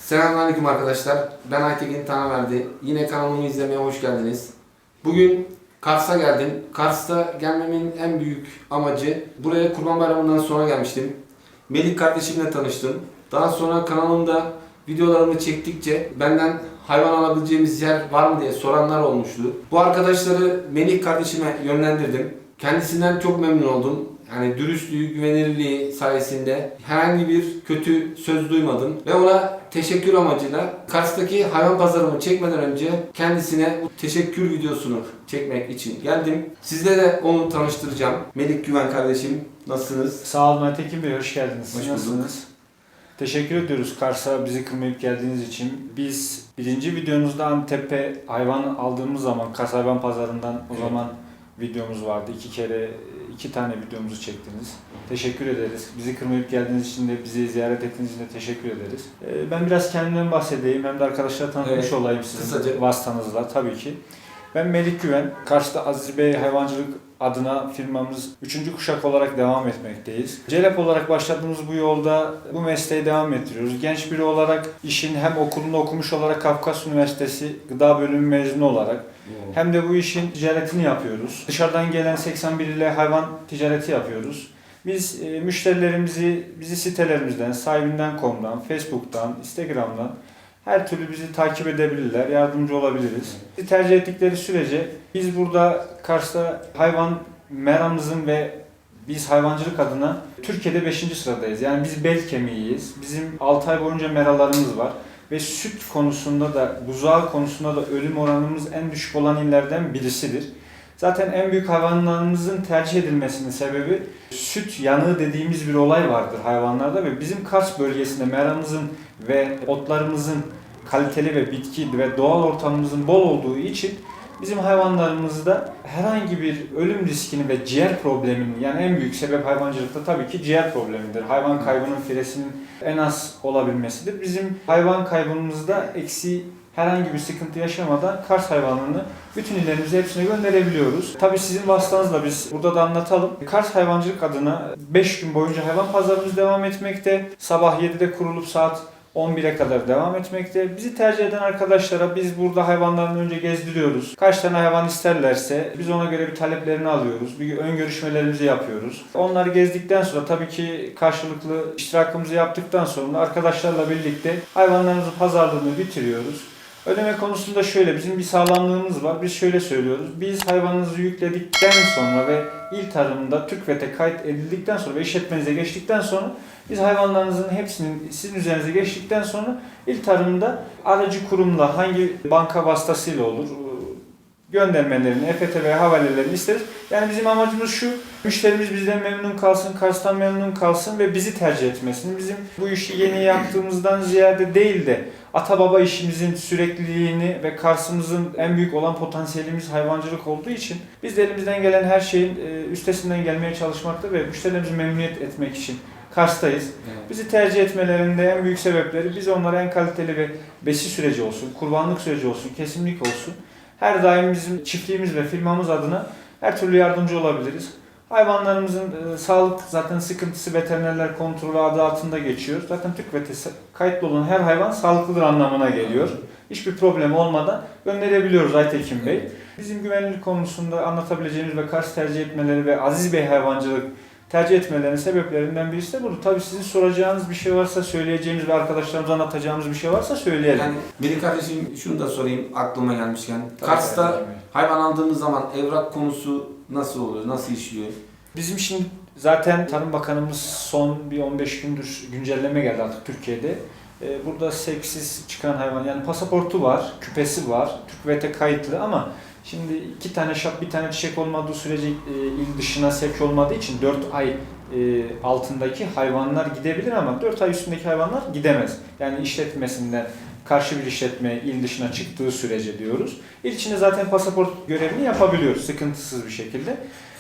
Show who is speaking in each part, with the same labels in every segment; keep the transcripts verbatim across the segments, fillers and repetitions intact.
Speaker 1: Selamünaleyküm arkadaşlar. Ben Aytekin Tanaverdi. Yine kanalımı izlemeye hoş geldiniz. Bugün Kars'a geldim. Kars'ta gelmemin en büyük amacı, buraya Kurban Bayramı'ndan sonra gelmiştim. Melih kardeşimle tanıştım. Daha sonra kanalımda videolarımı çektikçe benden hayvan alabileceğimiz yer var mı diye soranlar olmuştu. Bu arkadaşları Melih kardeşime yönlendirdim. Kendisinden çok memnun oldum. Yani dürüstlüğü, güvenilirliği sayesinde herhangi bir kötü söz duymadım. Ve ona teşekkür amacıyla Kars'taki hayvan pazarımı çekmeden önce kendisine bu teşekkür videosunu çekmek için geldim. Sizle de onu tanıştıracağım. Melih Güven kardeşim, nasılsınız?
Speaker 2: Sağ olun Aytekin Bey, hoş geldiniz.
Speaker 1: Hoş bulduk.
Speaker 2: Nasılsınız? Teşekkür ediyoruz Kars'a bizi kırmayıp geldiğiniz için. Biz birinci videonuzda Antep'e hayvan aldığımız zaman Kars Hayvan Pazarı'ndan o
Speaker 1: Evet.
Speaker 2: zaman videomuz vardı. İki kere, iki tane videomuzu çektiniz. Teşekkür ederiz. Bizi kırmayıp geldiğiniz için de, bizi ziyaret ettiğiniz için de teşekkür ederiz. Ee, Ben biraz kendimden bahsedeyim. Hem de arkadaşlara tanıtmış
Speaker 1: Evet,
Speaker 2: olayım sizin
Speaker 1: kısaca.
Speaker 2: vasıtanızla tabii ki. Ben Melih Güven. Kars'ta Aziz Bey Hayvancılık adına firmamız üçüncü kuşak olarak devam etmekteyiz. CELEP olarak başladığımız bu yolda bu mesleği devam ettiriyoruz. Genç biri olarak işin hem okulunu okumuş olarak Kafkas Üniversitesi Gıda Bölümü mezunu olarak hem de bu işin ticaretini yapıyoruz. Dışarıdan gelen seksen bir ile hayvan ticareti yapıyoruz. Biz e, müşterilerimizi bizi sitelerimizden, sahibinden nokta com'dan, Facebook'tan, Instagram'dan her türlü bizi takip edebilirler, yardımcı olabiliriz. Bizi tercih ettikleri sürece biz burada Kars'ta hayvan meramızın ve biz hayvancılık adına Türkiye'de beşinci sıradayız. Yani biz bel kemiğiyiz. Bizim altı ay boyunca meralarımız var. Ve süt konusunda da, buzağı konusunda da ölüm oranımız en düşük olan illerden birisidir. Zaten en büyük hayvanlarımızın tercih edilmesinin sebebi süt yanığı dediğimiz bir olay vardır hayvanlarda ve bizim Kars bölgesinde meramızın ve otlarımızın kaliteli ve bitki ve doğal ortamımızın bol olduğu için bizim hayvanlarımızda herhangi bir ölüm riskini ve ciğer probleminin, yani en büyük sebep hayvancılıkta tabii ki ciğer problemidir. Hayvan kaybının firesinin en az olabilmesidir. Bizim hayvan kaybımızda eksi herhangi bir sıkıntı yaşamadan Kars hayvanını bütün illerimize hepsine gönderebiliyoruz. Tabii sizin vasıtanızla biz burada da anlatalım. Kars Hayvancılık adına beş gün boyunca hayvan pazarımız devam etmekte. Sabah yedide kurulup saat on bire kadar devam etmekte. Bizi tercih eden arkadaşlara biz burada hayvanlarını önce gezdiriyoruz. Kaç tane hayvan isterlerse biz ona göre bir taleplerini alıyoruz. Bir ön görüşmelerimizi yapıyoruz. Onları gezdikten sonra tabii ki karşılıklı iştirakımızı yaptıktan sonra arkadaşlarla birlikte hayvanlarımızın pazarlığını bitiriyoruz. Ödeme konusunda şöyle, bizim bir sağlamlığımız var. Biz şöyle söylüyoruz. Biz hayvanınızı yükledikten sonra ve il tarımında TÜKVET'e kayıt edildikten sonra ve işletmenize geçtikten sonra biz hayvanlarınızın hepsinin sizin üzerinize geçtikten sonra il tarımında aracı kurumla hangi banka vasıtasıyla olur göndermelerini, E F T veya havalelerini isteriz. Yani bizim amacımız şu, müşterimiz bizden memnun kalsın, Kars'tan memnun kalsın ve bizi tercih etmesin. Bizim bu işi yeni yaptığımızdan ziyade değil de ata baba işimizin sürekliliğini ve Kars'ımızın en büyük olan potansiyelimiz hayvancılık olduğu için biz de elimizden gelen her şeyin üstesinden gelmeye çalışmakta ve müşterilerimizi memnuniyet etmek için Kars'tayız. Evet. Bizi tercih etmelerinde en büyük sebepleri biz onlara en kaliteli ve besi süreci olsun, kurbanlık süreci olsun, kesimlik olsun. Her daim bizim çiftliğimiz ve firmamız adına her türlü yardımcı olabiliriz. Hayvanlarımızın e, sağlık zaten sıkıntısı veterinerler kontrolü adı altında geçiyor. Zaten TÜKVET'e kayıtlı olan her hayvan sağlıklıdır anlamına geliyor. Hiçbir problem olmadan gönderebiliyoruz Aytekin Bey. Bizim güvenlik konusunda anlatabileceğimiz ve Kars tercih etmeleri ve Aziz Bey hayvancılık tercih etmelerinin sebeplerinden birisi de bu. Tabii sizin soracağınız bir şey varsa, söyleyeceğimiz ve arkadaşlarımıza anlatacağımız bir şey varsa söyleyelim.
Speaker 1: Yani Melih kardeşim, şunu da sorayım aklıma gelmişken. Kars'ta hayvan aldığımız zaman evrak konusu nasıl oluyor, nasıl işliyor?
Speaker 2: Bizim şimdi zaten Tarım Bakanımız son bir on beş gündür güncelleme geldi artık Türkiye'de. Burada sevksiz çıkan hayvan, yani pasaportu var, küpesi var, TÜKVET'e kayıtlı ama şimdi iki tane şap, bir tane çiçek olmadığı sürece e, il dışına sevk olmadığı için dört ay e, altındaki hayvanlar gidebilir ama dört ay üstündeki hayvanlar gidemez. Yani işletmesinden karşı bir işletme il dışına çıktığı sürece diyoruz. İl içinde zaten pasaport görevini yapabiliyoruz sıkıntısız bir şekilde.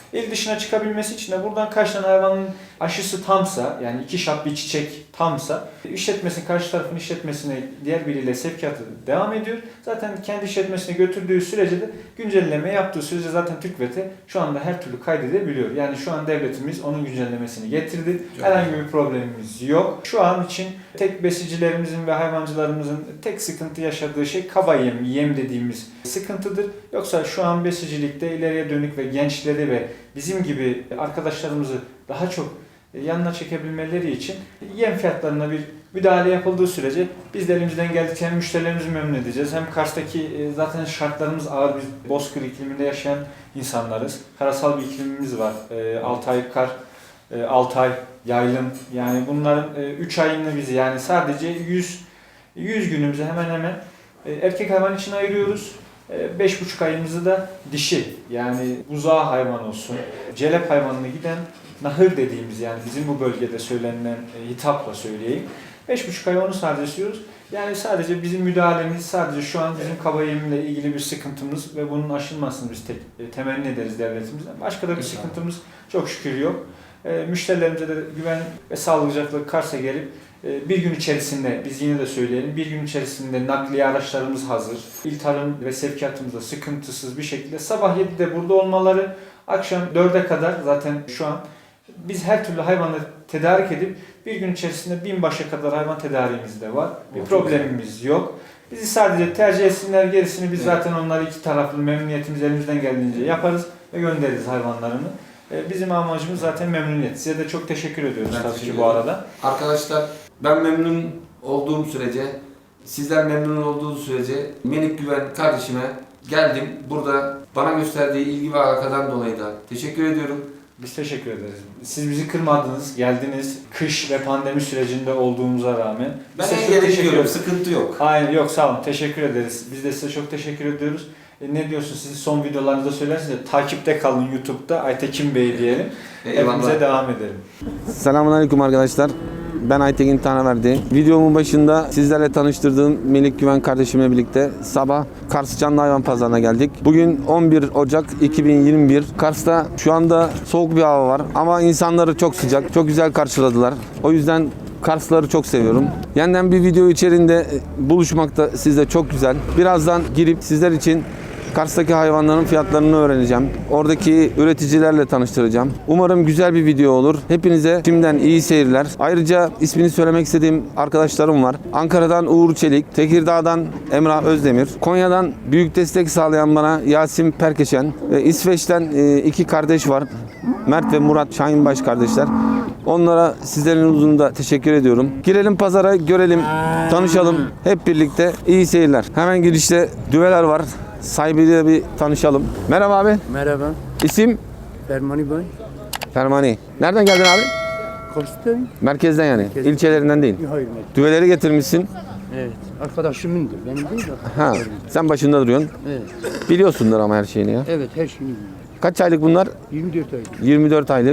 Speaker 2: İl dışına çıkabilmesi için de buradan kaç tane hayvanın aşısı tamsa, yani iki şap bir çiçek tamsa, işletmesinin, karşı tarafın işletmesine diğer biriyle sevkiyatı devam ediyor. Zaten kendi işletmesine götürdüğü sürece de güncelleme yaptığı sürece zaten TÜKVET'e şu anda her türlü kaydedebiliyor. Yani şu an devletimiz onun güncellemesini getirdi.
Speaker 1: Çok
Speaker 2: Herhangi bir problemimiz yok. Şu an için tek besicilerimizin ve hayvancılarımızın tek sıkıntı yaşadığı şey kaba yem, yem dediğimiz sıkıntıdır. Yoksa şu an besicilikte ileriye dönük ve gençleri ve bizim gibi arkadaşlarımızı daha çok yanına çekebilmeleri için yem fiyatlarına bir müdahale yapıldığı sürece biz de elimizden geldikçe hem müşterilerimizi memnun edeceğiz hem Kars'taki zaten şartlarımız ağır, biz bozkır ikliminde yaşayan insanlarız. Karasal bir iklimimiz var. altı ay kar, altı ay yaylım, yani bunların üç ayını bizi, yani sadece yüz yüz günümüzü hemen hemen erkek hayvan için ayırıyoruz. beş buçuk ayımızı da dişi, yani buzağı hayvan olsun, celep hayvanına giden nahır dediğimiz, yani bizim bu bölgede söylenilen hitapla söyleyeyim. beş buçuk ay onu sadece istiyoruz. Yani sadece bizim müdahalemiz, sadece şu an bizim kaba yemle ilgili bir sıkıntımız ve bunun aşılmasını biz tek, e, temenni ederiz devletimizden. Başka da bir sıkıntımız çok şükür yok. E, müşterilerimize de güven ve sağlıcakla Kars'a gelip e, bir gün içerisinde, biz yine de söyleyelim, bir gün içerisinde nakliye araçlarımız hazır. İl tarım ve sevkiyatımızda sıkıntısız bir şekilde sabah yedide burada olmaları, akşam dörde kadar zaten şu an biz her türlü hayvanı tedarik edip bir gün içerisinde bin başa kadar hayvan tedariğimiz de var. Bir problemimiz yok. Bizi sadece tercih etsinler, gerisini biz evet. zaten onları iki taraflı memnuniyetimiz elimizden geldiğince yaparız ve göndeririz hayvanlarını. Bizim amacımız zaten memnuniyet. Size de çok teşekkür ediyoruz ben tabii ki bu arada.
Speaker 1: Arkadaşlar, ben memnun olduğum sürece, sizler memnun olduğu sürece Melik Güven kardeşime geldim. Burada bana gösterdiği ilgi ve alakadan dolayı da teşekkür ediyorum.
Speaker 2: Biz teşekkür ederiz. Siz bizi kırmadınız, geldiniz. Kış ve pandemi sürecinde olduğumuza rağmen.
Speaker 1: Ben en yere gidiyorum, sıkıntı yok.
Speaker 2: Aynen, yok sağ olun, teşekkür ederiz. Biz de size çok teşekkür ediyoruz. E, ne diyorsunuz, siz son videolarınızda söylersiniz ya, takipte kalın YouTube'da Aytekin Bey diyelim. Hepimize devam edelim.
Speaker 1: Selamünaleyküm arkadaşlar. Ben Aytekin Tanaverdi. Videomun başında sizlerle tanıştırdığım Melik Güven kardeşimle birlikte sabah Kars Canlı Hayvan Pazarı'na geldik. Bugün on bir Ocak iki bin yirmi bir. Kars'ta şu anda soğuk bir hava var ama insanları çok sıcak, çok güzel karşıladılar. O yüzden Karslıları çok seviyorum. Yeniden bir video içerisinde buluşmak da sizde çok güzel. Birazdan girip sizler için Kars'taki hayvanların fiyatlarını öğreneceğim. Oradaki üreticilerle tanıştıracağım. Umarım güzel bir video olur. Hepinize şimdiden iyi seyirler. Ayrıca ismini söylemek istediğim arkadaşlarım var. Ankara'dan Uğur Çelik, Tekirdağ'dan Emrah Özdemir, Konya'dan büyük destek sağlayan bana Yasin Perkeşen ve İsveç'ten iki kardeş var. Mert ve Murat Şahinbaş kardeşler. Onlara sizlerin huzurunda teşekkür ediyorum. Girelim pazara, görelim, tanışalım. Hep birlikte iyi seyirler. Hemen girişte düveler var. Sahibiyle bir tanışalım. Merhaba abi.
Speaker 3: Merhaba.
Speaker 1: İsim?
Speaker 3: Fermani Bey.
Speaker 1: Fermani. Nereden geldin abi?
Speaker 3: Kars'tayım.
Speaker 1: Merkezden yani.
Speaker 3: Merkezden.
Speaker 1: İlçelerinden değil.
Speaker 3: Hayır, merkez.
Speaker 1: Düveleri getirmişsin.
Speaker 3: Evet. Arkadaşımındır. Benim değil de.
Speaker 1: Ha. Sen başında duruyorsun.
Speaker 3: Evet.
Speaker 1: Biliyorsundur ama her şeyini ya.
Speaker 3: Evet, her şeyini biliyorum.
Speaker 1: Kaç aylık bunlar?
Speaker 3: yirmi dört ay.
Speaker 1: yirmi dört aylık.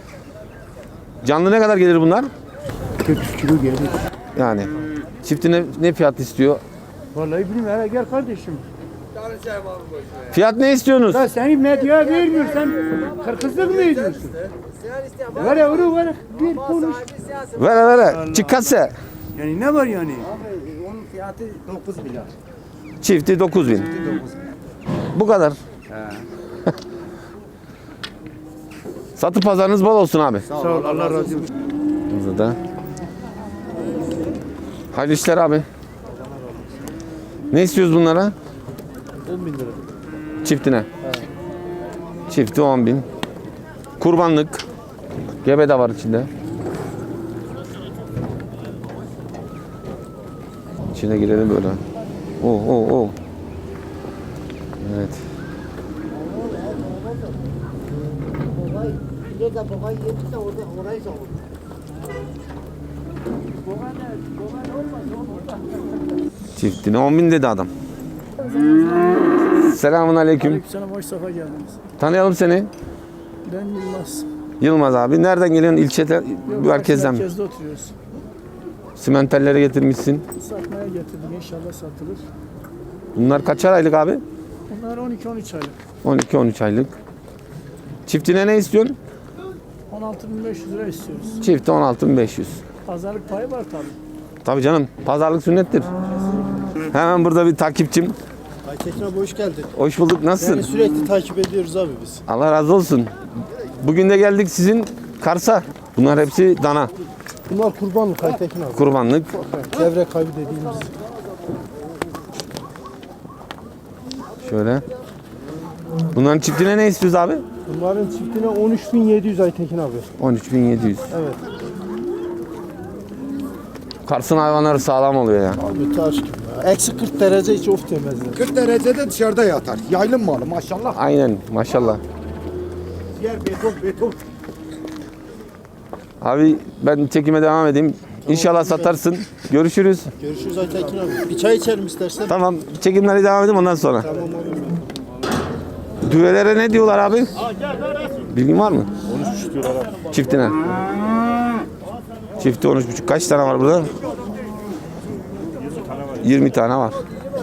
Speaker 1: Canlı ne kadar gelir bunlar?
Speaker 3: kırk üç kilo gelir.
Speaker 1: Yani. Çiftine ne fiyat istiyor?
Speaker 3: Vallahi bilmiyorum. Hele gel kardeşim.
Speaker 1: Fiyat ne istiyorsunuz?
Speaker 3: Ya seni medyaya vermiyor. Sen kırkızlık mı ediyorsun? Ver yavru ver. Bir konuş.
Speaker 1: Ver ver. Çıkatsa.
Speaker 3: Yani ne var yani? Abi onun fiyatı dokuz milyar.
Speaker 1: Çifti dokuz bin. Bu kadar.
Speaker 3: He.
Speaker 1: Satı pazarınız bol olsun abi.
Speaker 3: Sağ ol. Allah razı olsun.
Speaker 1: Burada da. Hayırlı işler abi. Ne istiyoruz bunlara?
Speaker 3: on bin lira.
Speaker 1: Çiftine. Evet. Çifti on bin. Kurbanlık. Gebe de var içinde. İçine girelim böyle. Oo oo oo. Evet. Çiftine on bin dedi adam. Selamun aleyküm.
Speaker 4: Aleykümselam, hoş sefa geldiniz.
Speaker 1: Tanıyalım seni.
Speaker 4: Ben Yılmaz.
Speaker 1: Yılmaz abi. Nereden geliyorsun? İlçede,
Speaker 4: Yok,
Speaker 1: merkezden mi?
Speaker 4: Merkezde oturuyoruz.
Speaker 1: Simentelleri getirmişsin.
Speaker 4: Satmaya getirdik, inşallah satılır.
Speaker 1: Bunlar kaçar aylık abi?
Speaker 4: Bunlar on iki on üç aylık.
Speaker 1: on iki on üç aylık. Çiftine ne istiyorsun?
Speaker 4: on altı bin beş yüz lira istiyoruz.
Speaker 1: Çifte on altı bin beş yüz.
Speaker 4: Pazarlık payı var tabii.
Speaker 1: Tabii canım. Pazarlık sünnettir. Hemen burada bir takipçim.
Speaker 5: Aytekin abi hoş geldin.
Speaker 1: Hoş bulduk. Nasılsın?
Speaker 5: Yani sürekli takip ediyoruz abi biz.
Speaker 1: Allah razı olsun. Bugün de geldik sizin Kars'a. Bunlar hepsi dana.
Speaker 5: Bunlar kurbanlık Aytekin abi.
Speaker 1: Kurbanlık.
Speaker 5: Devre kaybı dediğimiz.
Speaker 1: Şöyle. Bunların çiftine ne istiyoruz abi?
Speaker 5: Bunların çiftine on üç bin yedi yüz Aytekin abi.
Speaker 1: on üç bin yedi yüz.
Speaker 5: Evet.
Speaker 1: Kars'ın hayvanları sağlam oluyor ya.
Speaker 5: Abi taş gibi ya. Eksi kırk derece hiç of demezler.
Speaker 6: kırk derecede dışarıda yatar. Yaylım malı maşallah.
Speaker 1: Aynen maşallah.
Speaker 6: Yer beton beton.
Speaker 1: Abi ben çekime devam edeyim. İnşallah satarsın. Görüşürüz.
Speaker 5: Görüşürüz Aytekin abi. Bir çay içerim istersen.
Speaker 1: Tamam çekimleri devam edeyim ondan sonra.
Speaker 5: Tamam abi.
Speaker 1: Düvelere ne diyorlar abi? Bilgin var mı?
Speaker 2: on üç buçuk diyorlar abi.
Speaker 1: Çiftine. Çifti on üç buçuk. Kaç tane var burada? yirmi tane var.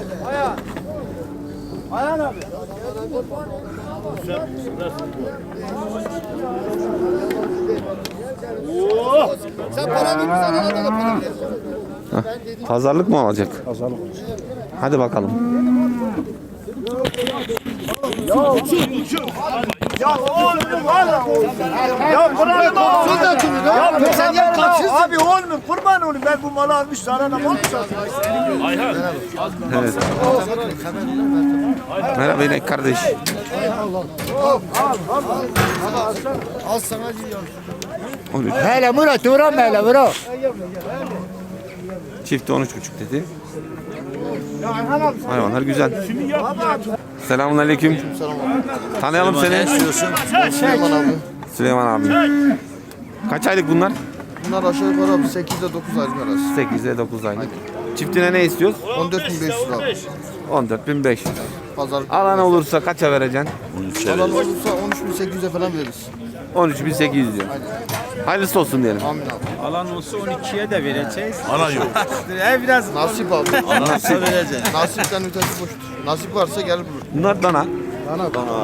Speaker 1: Hah, pazarlık mı olacak?
Speaker 2: Pazarlık.
Speaker 1: Hadi bakalım.
Speaker 6: Sen yer kaçsın. Abi olmuyor kurban olayım ben bu malı almış sana ne mal satayım.
Speaker 1: Evet. Merhaba inek kardeş.
Speaker 5: Al sana diyor.
Speaker 1: on üç.
Speaker 6: Hele Murat uğram hele Murat.
Speaker 1: Çifti on üç buçuk dedi. Hayvanlar güzel. Selamünaleyküm. Tanıyalım seni.
Speaker 5: Süleyman abi.
Speaker 1: Süleyman abi. Kaç aylık bunlar?
Speaker 5: Bunlar aşağı yukarı abi sekizde dokuz aylık arası.
Speaker 1: sekiz ile dokuz aylık. Çiftine ne istiyoruz?
Speaker 5: on dört bin beş yüz abi.
Speaker 1: on dört bin beş yüz.
Speaker 5: Pazarlık.
Speaker 1: Alan olursa kaça vereceksin?
Speaker 5: Alan olursa on üç bin sekiz yüze falan veririz.
Speaker 1: on üç bin sekiz yüz diyor. Hayırlısı olsun diyelim.
Speaker 5: Amin abi.
Speaker 7: Alan olsa on ikiye de vereceğiz. Alan yok. e biraz
Speaker 5: Nasip abi.
Speaker 7: nasıl vereceğiz?
Speaker 5: Nasipten ötesi boştur. Nasip varsa gel bulur.
Speaker 1: Bunlar dana.
Speaker 5: Dana dana.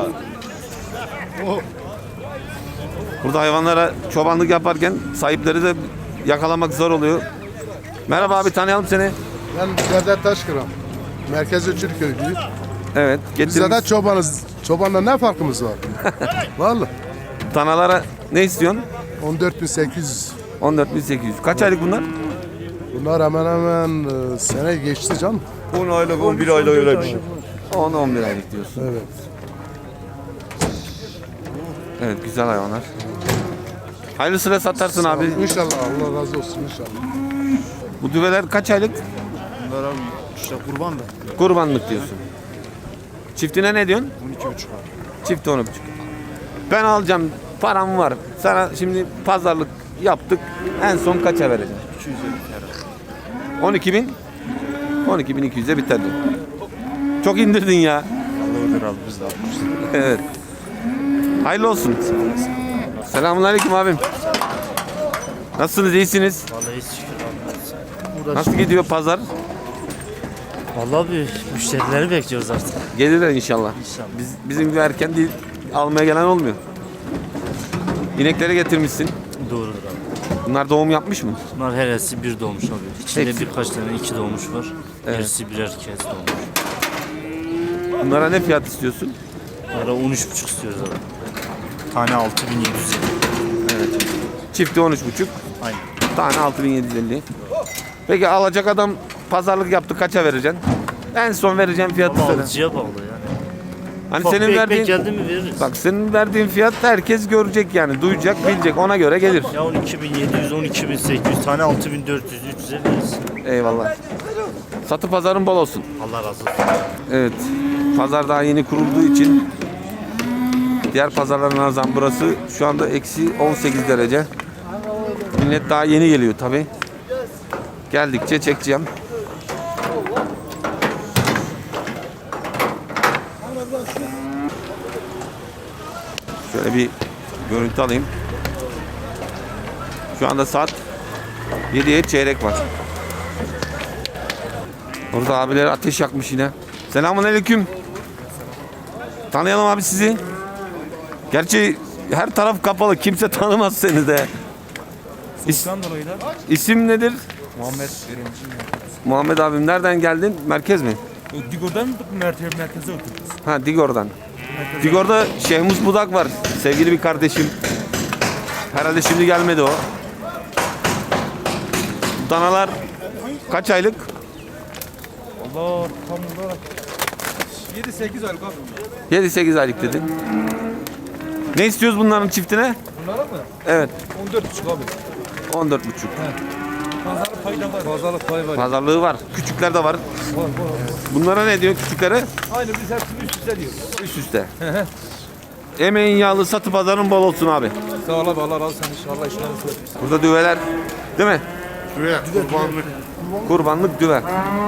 Speaker 1: Burada hayvanlara çobanlık yaparken sahipleri de yakalamak zor oluyor. Merhaba abi tanıyalım seni.
Speaker 8: Ben Cevdet Taşkıran. Merkezi Türkköylüyüm.
Speaker 1: Evet.
Speaker 8: Biz
Speaker 1: Getirmiş.
Speaker 8: de çobanız. Çobanla ne farkımız var? Vallahi.
Speaker 1: Danalara ne istiyorsun?
Speaker 8: on dört bin sekiz yüz.
Speaker 1: on dört bin sekiz yüz. Kaç aylık bunlar?
Speaker 8: Bunlar hemen hemen e, sene geçti canım.
Speaker 9: on aylık, on bir aylık öyle bir şey.
Speaker 1: on on bir aylık diyorsun.
Speaker 8: Evet.
Speaker 9: Evet güzel hayvanlar.
Speaker 1: Hayırlısıyla satarsın abi.
Speaker 8: İnşallah Allah razı olsun inşallah.
Speaker 1: Bu düveler kaç aylık?
Speaker 5: Bunlar abi işte kurban da.
Speaker 1: Kurbanlık diyorsun. Çiftine ne diyorsun?
Speaker 5: on iki buçuk abi.
Speaker 1: Çift on buçuk. Ben alacağım. Param var. Sana şimdi pazarlık yaptık. En son kaça vereceğim?
Speaker 5: iki yüz elli
Speaker 1: on iki bin. on iki bin iki yüze biter diyor. Çok indirdin ya.
Speaker 5: Allah öder abi biz de almışız.
Speaker 1: Evet. Hayırlı olsun. Selamünaleyküm abim. Nasılsınız? İyisiniz?
Speaker 10: Vallahi şükür abi.
Speaker 1: Nasıl gidiyor pazar?
Speaker 10: Vallahi bir müşterileri bekliyoruz artık.
Speaker 1: Gelirler inşallah.
Speaker 10: İnşallah.
Speaker 1: Biz, bizim gibi erken değil, almaya gelen olmuyor. İnekleri getirmişsin.
Speaker 10: Doğrudur abi.
Speaker 1: Bunlar doğum yapmış mı?
Speaker 10: Bunlar heresi bir doğmuş abi. İçinde
Speaker 1: Hepsi.
Speaker 10: birkaç tane iki doğmuş var.
Speaker 1: Evet.
Speaker 10: Gerisi birer kez doğmuş.
Speaker 1: Bunlara ne fiyat istiyorsun?
Speaker 10: Bunlara on üç buçuk istiyoruz abi. Tane altı bin yedi yüz elli.
Speaker 1: Çifti on üç buçuk.
Speaker 10: Aynen.
Speaker 1: Tane altı bin yedi yüz elli. Peki alacak adam pazarlık yaptı kaça vereceksin? En son vereceğim fiyatı
Speaker 10: Ama
Speaker 1: söyle.
Speaker 10: alıcıya bağlı yani.
Speaker 1: Hani
Speaker 10: Ufak
Speaker 1: senin
Speaker 10: bir
Speaker 1: verdiğin
Speaker 10: ekmek geldi mi veririz.
Speaker 1: bak senin verdiğin fiyat herkes görecek yani, duyacak, bilecek, ona göre gelir.
Speaker 10: Ya on iki bin yedi yüz, on iki bin sekiz yüz, tane altı bin dört yüz, üç yüze veririz.
Speaker 1: Eyvallah. Satı pazarın bol olsun.
Speaker 10: Allah razı olsun.
Speaker 1: Evet. Pazar daha yeni kurulduğu için diğer pazarlara nazaran burası şu anda eksi on sekiz derece. Millet daha yeni geliyor tabi. Geldikçe çekeceğim. Şöyle bir görüntü alayım. Şu anda saat yediye çeyrek var. Orada abiler ateş yakmış yine. Selamünaleyküm. Tanıyalım abi sizi. Gerçi Her taraf kapalı. Kimse tanımaz seni de. İs- İsim nedir?
Speaker 10: Muhammed
Speaker 1: Muhammed abim nereden geldin? Merkez mi?
Speaker 10: Digor'dan merkeze merkeze oturduk.
Speaker 1: Ha Digor'dan. Digor'da Şehmus Budak var. Sevgili bir kardeşim. Herhalde şimdi gelmedi o. Danalar kaç aylık?
Speaker 10: Allah tam olarak yedi sekiz aylık abi.
Speaker 1: yedi sekiz aylık dedin. Ne istiyoruz bunların çiftine?
Speaker 10: Bunlara mı?
Speaker 1: Evet.
Speaker 10: on dört buçuk abi.
Speaker 1: on dört buçuk.
Speaker 10: Pazarlık payı da var. Pazarlık payı var.
Speaker 1: Pazarlığı var. Küçükler de var.
Speaker 10: Var var.
Speaker 1: Bunlara ne diyor küçüklere?
Speaker 10: Aynı biz hepsini üst üste diyoruz.
Speaker 1: Üst üste. Emeğin yağlı satı pazarın bol olsun abi.
Speaker 10: Sağ ol abi Allah razı olsun inşallah işleriniz olsun.
Speaker 1: Burada düveler değil mi?
Speaker 8: Şuraya kurbanlık.
Speaker 1: Kurbanlık düve.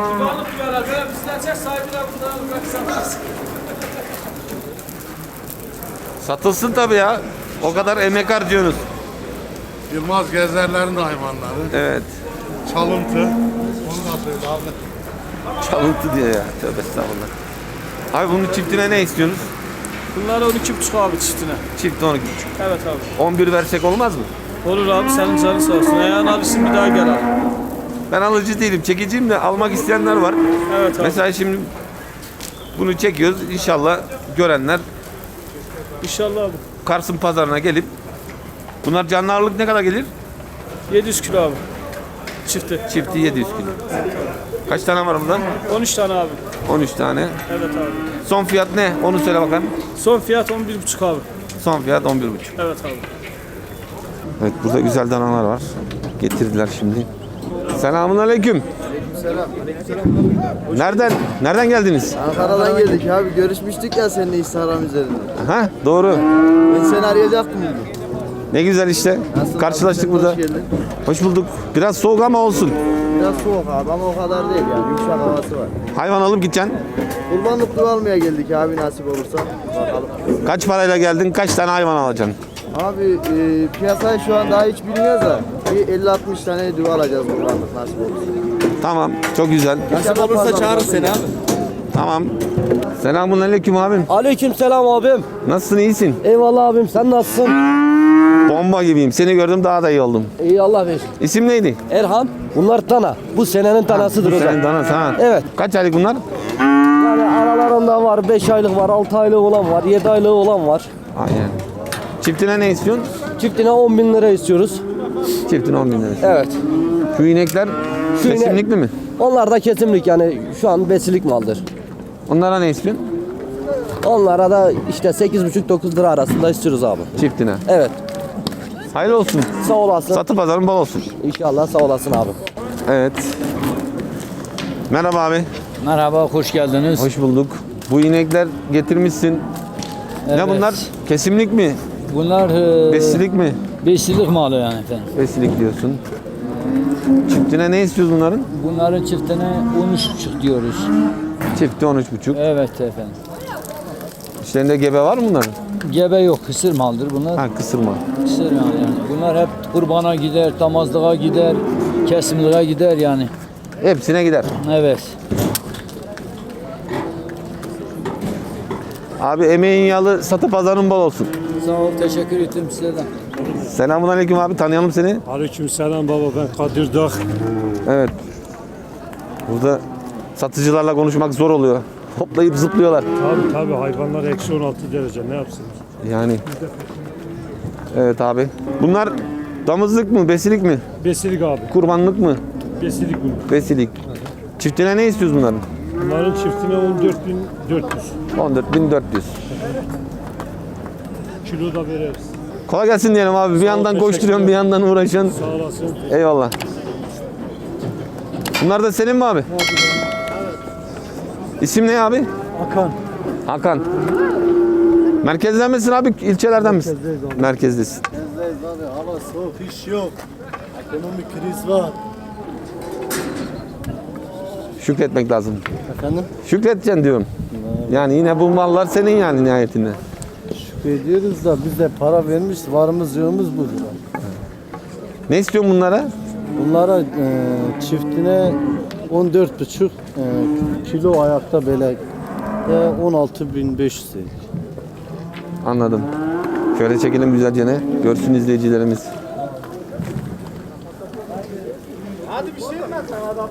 Speaker 1: Satılsın tabii ya. O kadar emek harcıyorsunuz.
Speaker 8: Yılmaz Gezerler'in de hayvanları.
Speaker 1: Evet.
Speaker 8: Çalıntı. Onu da söyle abi.
Speaker 1: Çalıntı diyor ya. Tövbe estağfurullah. Abi bunun çiftine ne istiyorsunuz?
Speaker 4: Bunlar on iki buçuk abi çiftine.
Speaker 1: Çift on iki buçuk.
Speaker 4: Evet abi.
Speaker 1: on bir versek olmaz mı?
Speaker 4: Olur abi senin canın sağ olsun. Ayağın alışsın bir daha gel abi.
Speaker 1: Ben alıcı değilim. Çekiciyim de almak isteyenler var.
Speaker 4: Evet abi.
Speaker 1: Mesela şimdi bunu çekiyoruz. İnşallah görenler
Speaker 4: İnşallah abi.
Speaker 1: Kars'ın pazarına gelip bunlar canlı ağırlık ne kadar gelir?
Speaker 4: yedi yüz kilo abi. Çifti.
Speaker 1: Çifti yedi yüz kilo. Kaç tane var bundan?
Speaker 4: on üç tane abi.
Speaker 1: on üç tane.
Speaker 4: Evet abi.
Speaker 1: Son fiyat ne? Onu söyle bakalım.
Speaker 4: Son fiyat on bir buçuk abi.
Speaker 1: Son fiyat on bir buçuk.
Speaker 4: Evet abi.
Speaker 1: Evet burada güzel danalar var. Getirdiler şimdi. Selamun aleyküm. Nereden? Nereden geldiniz?
Speaker 6: Ankara'dan geldik abi. Görüşmüştük ya seninle Instagram üzerinde.
Speaker 1: Ha doğru.
Speaker 6: Ben seni arayacaktım bugün.
Speaker 1: Ne güzel işte.
Speaker 6: Nasılsın
Speaker 1: Karşılaştık
Speaker 6: abi?
Speaker 1: burada.
Speaker 6: Hoş geldin.
Speaker 1: Hoş bulduk. Biraz soğuk ama olsun.
Speaker 6: Biraz soğuk abi ama o kadar değil yani. Yumuşak havası var.
Speaker 1: Hayvan alıp gideceksin.
Speaker 6: Kurbanlık duva almaya geldik abi nasip olursa. Bakalım.
Speaker 1: Kaç parayla geldin? Kaç tane hayvan alacaksın?
Speaker 6: Abi e, piyasayı şu an daha hiç bilmiyoruz da bir elli altmış tane duva alacağız kurbanlık nasip olursa.
Speaker 1: Tamam. Çok güzel.
Speaker 6: Nasip olursa çağırır seni abi.
Speaker 1: Tamam. Selamun aleyküm abim.
Speaker 3: Aleyküm selam abim.
Speaker 1: Nasılsın? İyisin?
Speaker 3: Eyvallah abim sen nasılsın?
Speaker 1: Bomba gibiyim. Seni gördüm daha da iyi oldum.
Speaker 3: İyi Allah ver.
Speaker 1: İsim neydi?
Speaker 3: Erhan. Bunlar tana. Bu senenin tanasıdır hocam.
Speaker 1: Senin danası ha.
Speaker 3: Evet.
Speaker 1: Kaç aylık bunlar?
Speaker 3: Yani aralarında var beş aylık var, altı aylık olan var, yedi aylık olan var.
Speaker 1: Aynen. Çiftine ne istiyorsun?
Speaker 3: Çiftine on bin lira istiyoruz.
Speaker 1: Çiftine on bin lira.
Speaker 3: Evet.
Speaker 1: Şu inekler
Speaker 3: Şu inek-
Speaker 1: kesimlikli mi?
Speaker 3: Onlar da kesimlik yani şu an besilik maldır.
Speaker 1: Onlara ne istiyorsun?
Speaker 3: Onlara da işte sekiz buçuk dokuz lira arasında istiyoruz abi.
Speaker 1: Çiftine.
Speaker 3: Evet.
Speaker 1: Hayırlı olsun.
Speaker 3: Sağ olasın.
Speaker 1: Satı pazarın bol olsun.
Speaker 3: İnşallah sağ olasın abi.
Speaker 1: Evet. Merhaba abi.
Speaker 11: Merhaba, hoş geldiniz.
Speaker 1: Hoş bulduk. Bu inekler getirmişsin.
Speaker 11: Evet.
Speaker 1: Ne bunlar? Kesimlik mi?
Speaker 11: Bunlar e,
Speaker 1: Besilik mi?
Speaker 11: besilik malı yani efendim.
Speaker 1: Besilik diyorsun. Çiftine ne istiyoruz bunların?
Speaker 11: Bunların çiftine on üç buçuk diyoruz.
Speaker 1: Çifti on üç buçuk.
Speaker 11: Evet efendim.
Speaker 1: İşlerinde gebe var mı bunların?
Speaker 11: Gebe yok, kısır maldır bunlar.
Speaker 1: Ha kısırma.
Speaker 11: Kısır yani, yani. Bunlar hep kurbana gider, damazlığa gider, kesimliğe gider yani.
Speaker 1: Hepsine gider.
Speaker 11: Evet.
Speaker 1: Abi emeğin yağlı satı pazarın bol olsun.
Speaker 11: Sağ ol, teşekkür ederim size de.
Speaker 1: Selamun aleyküm abi, tanıyalım seni.
Speaker 3: Aleyküm selam baba ben Kadir Dağ.
Speaker 1: Evet. Burada satıcılarla konuşmak zor oluyor. Hoplayıp zıplıyorlar.
Speaker 3: Tabii tabii hayvanlar eksi on altı derece ne yapsın?
Speaker 1: Yani. Evet abi. Bunlar damızlık mı, besilik mi?
Speaker 3: Besilik abi.
Speaker 1: Kurbanlık mı?
Speaker 3: Besilik bu.
Speaker 1: Besilik. Çiftine ne istiyoruz bunların?
Speaker 3: Bunların çiftine on dört bin dört yüz.
Speaker 1: on dört bin dört yüz.
Speaker 3: Kilo da veririz.
Speaker 1: Kolay gelsin diyelim abi. Bir yandan
Speaker 3: teşekkür
Speaker 1: koşturuyorsun, bir yandan uğraşıyorsun.
Speaker 3: Sağ olasın.
Speaker 1: Eyvallah. Bunlar da senin mi abi? İsim ne abi?
Speaker 3: Hakan.
Speaker 1: Hakan. Merkezden misin abi? İlçelerden misin? Merkezdesin.
Speaker 6: Gezdeyiz abi hava soğuk iş yok. Ekonomik kriz var.
Speaker 1: Şükretmek lazım.
Speaker 6: Efendim?
Speaker 1: Şükredeceksin diyorum. Yani yine bu mallar senin yani nihayetinde.
Speaker 6: Şükrediyoruz da biz de para vermiş varımız yoğumuz budur.
Speaker 1: Ne istiyorsun bunlara?
Speaker 6: Bunlara e, çiftine on dört buçuk e, kilo ayakta böyle e, on altı bin beş yüz dedik.
Speaker 1: Anladım. Şöyle çekelim güzelce ne? Görsün izleyicilerimiz.
Speaker 6: Hadi bir şey etmez sen adamı.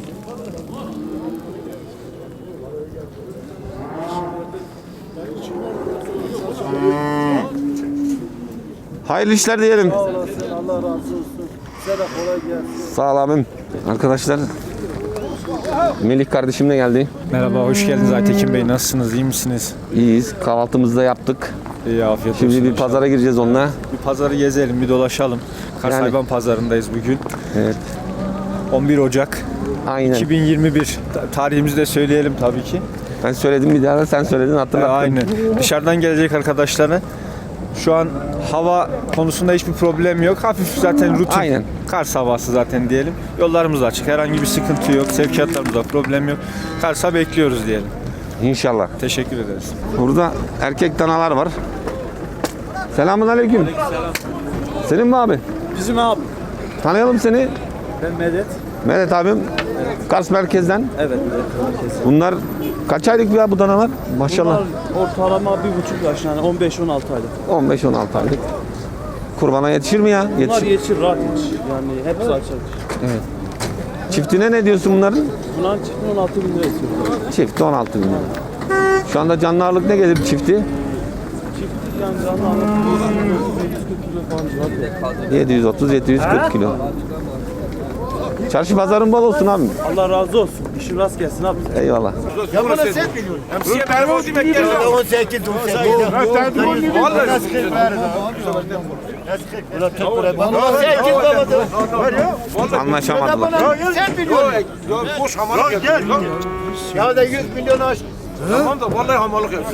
Speaker 1: Hayırlı işler diyelim.
Speaker 6: Allah razı olsun. Size de kolay gelsin.
Speaker 1: Sağ ol abim. Arkadaşlar Melih kardeşim de geldi.
Speaker 2: Merhaba, hoş geldiniz Aytekin Bey. Nasılsınız, iyi misiniz?
Speaker 1: İyiyiz. Kahvaltımızı da yaptık.
Speaker 2: İyi, afiyet olsun.
Speaker 1: Şimdi bir
Speaker 2: inşallah.
Speaker 1: pazara gireceğiz onunla.
Speaker 2: Bir pazarı gezelim, bir dolaşalım. Kars
Speaker 1: Yani-
Speaker 2: Hayvan Pazarı'ndayız bugün.
Speaker 1: Evet.
Speaker 2: on bir Ocak
Speaker 1: Aynen.
Speaker 2: iki bin yirmi bir. Ta- Tarihimizi de söyleyelim tabii ki.
Speaker 1: Ben söyledim bir daha da sen söyledin
Speaker 2: Ee,
Speaker 1: hatırlattın.
Speaker 2: Aynı. Dışarıdan gelecek arkadaşlara. Şu an hava konusunda hiçbir problem yok. Hafif zaten rutin.
Speaker 1: Aynen.
Speaker 2: Kars havası zaten diyelim. Yollarımız da açık. Herhangi bir sıkıntı yok. Sevkiyatlarımızda problem yok. Kars'a bekliyoruz diyelim.
Speaker 1: İnşallah.
Speaker 2: Teşekkür ederiz.
Speaker 1: Burada erkek danalar var. Selamun aleyküm. Senin mi abi?
Speaker 6: Bizim abi.
Speaker 1: Tanıyalım seni.
Speaker 6: Ben Medet.
Speaker 1: Medet abim. Kars merkezden.
Speaker 6: Evet.
Speaker 1: Bunlar kaç aylık ya bu danalar? Maşallah.
Speaker 6: Ortalama bir buçuk yaş yani on beş on altı aylık.
Speaker 1: on beş on altı aylık. Kurbana yetişir mi ya?
Speaker 6: Bunlar
Speaker 1: Yetişir.
Speaker 6: yetişir rahat yetişir. Yani hepsi açar.
Speaker 1: Çiftine ne diyorsun bunların?
Speaker 6: Bunların çiftini on altı bin lira istiyoruz.
Speaker 1: Çifti on altı bin lira. Şu anda canlı ağırlık ne gelir çifti?
Speaker 6: Çift yani canlı anlatılıyor. yüz kırk kilo falan civarı.
Speaker 1: yedi yüz otuz yedi yüz kırk kilo. Çarşı pazarın bol olsun abi.
Speaker 6: Allah razı olsun. İşin rast gelsin abi.
Speaker 1: Eyvallah.
Speaker 6: Ya bana sen biliyorsun. Hemsiye ben o demek geldi. on sekiz on sekiz. Vallahi sıkıntı var.
Speaker 1: Anlaşamadılar.
Speaker 6: Sen biliyorsun.
Speaker 10: Boş hamalık gel.
Speaker 6: Ya da yüz milyon aç.
Speaker 10: Tamam da vallahi hamalık yap.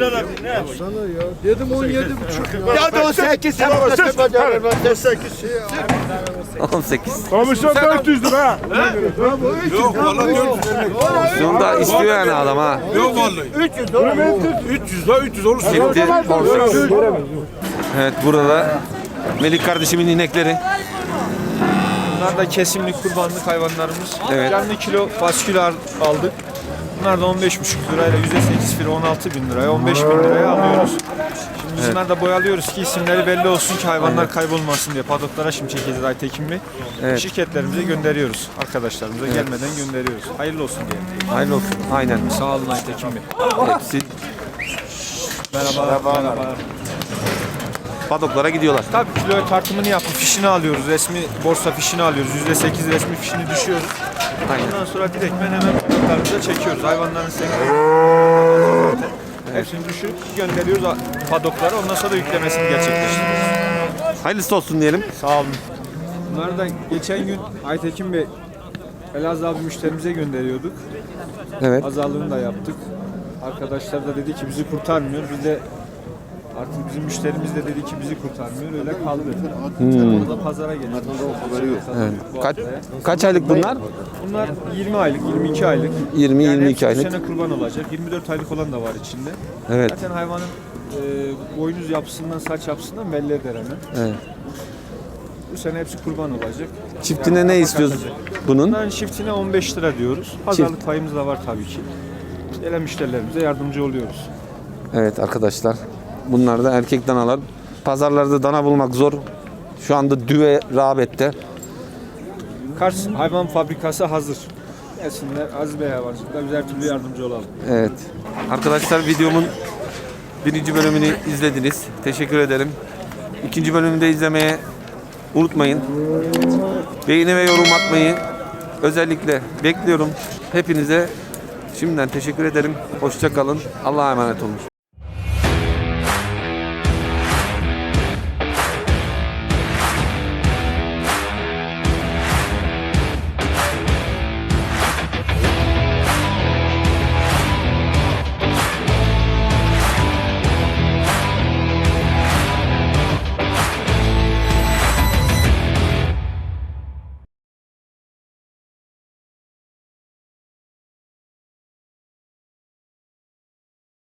Speaker 6: Dedim on yedi buçuk. Ya da on sekiz. Sen on sekiz.
Speaker 1: on sekiz.
Speaker 10: Komisyon dört yüz lira. Yok vallahi dört yüz vermek.
Speaker 1: Şunu da istiyor yani adam ha.
Speaker 10: Yok vallahi. üç yüz olur. üç yüz lira üç yüz olur.
Speaker 1: Çifti on sekiz. Evet burada Melik kardeşimin inekleri.
Speaker 2: Bunlar da kesimlik kurbanlık hayvanlarımız.
Speaker 1: Evet.
Speaker 2: Canlı kilo faskül al- aldık. Bunlar da on beş buçuk lirayla yüzde sekiz filo on altı bin liraya on beş bin liraya alıyoruz. Şimdi biz bunları da boyalıyoruz ki isimleri belli olsun ki hayvanlar kaybolmasın diye. Padoklara şimdi çekeceğiz Aytekin Bey.
Speaker 1: Evet.
Speaker 2: Şirketlerimize gönderiyoruz. Arkadaşlarımıza gelmeden gönderiyoruz. Hayırlı olsun diye.
Speaker 1: Hayırlı olsun. Aynen.
Speaker 2: Sağ olun Aytekin Bey.
Speaker 1: Hepsi
Speaker 2: Merhaba. Merhaba.
Speaker 1: padoklara gidiyorlar.
Speaker 2: Tabii kilo tartımını yapıp fişini alıyoruz. Resmi borsa fişini alıyoruz. yüzde sekiz resmi fişini düşüyoruz.
Speaker 1: Aynen.
Speaker 2: Ondan sonra direktmen hemen padoklarımıza çekiyoruz. Hayvanların sevkiyatı. Hepsini düşürüp gönderiyoruz padoklara. Ondan sonra da yüklemesini gerçekleştiriyoruz.
Speaker 1: Hayırlısı olsun diyelim.
Speaker 2: Sağ olun. Bunları da geçen gün Aytekin Bey Elazığ abi müşterimize gönderiyorduk.
Speaker 1: Evet.
Speaker 2: Pazarlığını da yaptık. Arkadaşlar da dedi ki bizi kurtarmıyor. Biz de artık bizim müşterimiz de dedi ki bizi kurtarmıyor. Öyle kaldı. Hmm. Orada pazara geldik.
Speaker 1: Evet. Kaç, kaç aylık bunlar?
Speaker 2: Bunlar yirmi aylık, yirmi iki aylık.
Speaker 1: yirmi
Speaker 2: Yani
Speaker 1: yirmi iki
Speaker 2: hepsi bu
Speaker 1: aylık.
Speaker 2: sene kurban olacak. yirmi dört aylık olan da var içinde.
Speaker 1: Evet.
Speaker 2: Zaten hayvanın e, boynuz yapısından, saç yapısından belli eder hemen.
Speaker 1: Evet.
Speaker 2: Bu sene hepsi kurban olacak.
Speaker 1: Çiftine ne istiyoruz bunun?
Speaker 2: Bunların çiftine on beş lira diyoruz. Pazarlık payımız da var tabii ki. Gelen müşterilerimize yardımcı oluyoruz.
Speaker 1: Evet arkadaşlar. Bunlar da erkek danalar. Pazarlarda dana bulmak zor. Şu anda düve rağbette.
Speaker 2: Kars Hayvan Fabrikası hazır. Gelsinler Aziz Bey Hayvancılık'ta biz her türlü yardımcı olalım.
Speaker 1: Evet. Arkadaşlar videomun birinci bölümünü izlediniz. Teşekkür ederim. İkinci bölümünü de izlemeye unutmayın. Beğeni ve yorum atmayı özellikle bekliyorum. Hepinize şimdiden teşekkür ederim. Hoşça kalın. Allah'a emanet olun.